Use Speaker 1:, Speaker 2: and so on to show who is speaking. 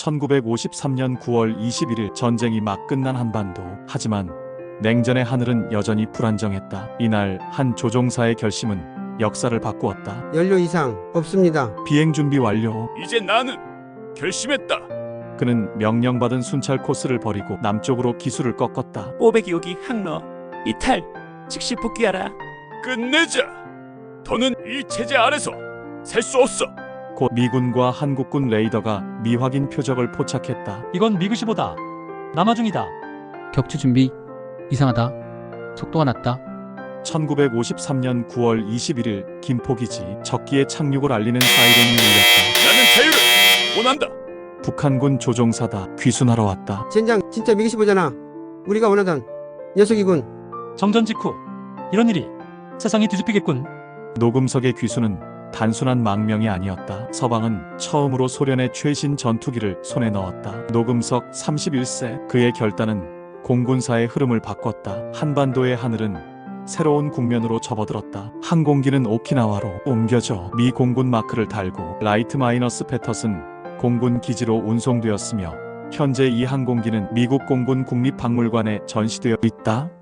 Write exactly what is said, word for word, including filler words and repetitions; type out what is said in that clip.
Speaker 1: 천구백오십삼 년 구월 이십일일 전쟁이 막 끝난 한반도. 하지만 냉전의 하늘은 여전히 불안정했다. 이날 한 조종사의 결심은 역사를 바꾸었다.
Speaker 2: 연료 이상 없습니다.
Speaker 1: 비행 준비 완료.
Speaker 3: 이제 나는 결심했다.
Speaker 1: 그는 명령받은 순찰 코스를 버리고 남쪽으로 기수를 꺾었다.
Speaker 4: 오백이 호기 항로 이탈 즉시 복귀하라.
Speaker 3: 끝내자. 더는 이 체제 아래서 살 수 없어.
Speaker 1: 곧 미군과 한국군 레이더가 미확인 표적을 포착했다.
Speaker 5: 이건 미그십오다. 남아 중이다.
Speaker 6: 격추 준비. 이상하다. 속도가 낮다.
Speaker 1: 천구백오십삼 년 구월 이십일일 김포기지. 적기의 착륙을 알리는 사이렌이 울렸다.
Speaker 3: 나는 자유를 원한다.
Speaker 1: 북한군 조종사다. 귀순하러 왔다.
Speaker 2: 젠장 진짜 미기십오잖아. 우리가 원하던 녀석이군.
Speaker 5: 정전 직후 이런 일이 세상이 뒤집히겠군.
Speaker 1: 녹음석의 귀순은 단순한 망명이 아니었다. 서방은 처음으로 소련의 최신 전투기를 손에 넣었다. 녹음석 삼십일 세. 그의 결단은 공군사의 흐름을 바꿨다. 한반도의 하늘은 새로운 국면으로 접어들었다. 항공기는 오키나와로 옮겨져 미 공군 마크를 달고 라이트 마이너스 패터슨 공군 기지로 운송되었으며 현재 이 항공기는 미국 공군 국립박물관에 전시되어 있다.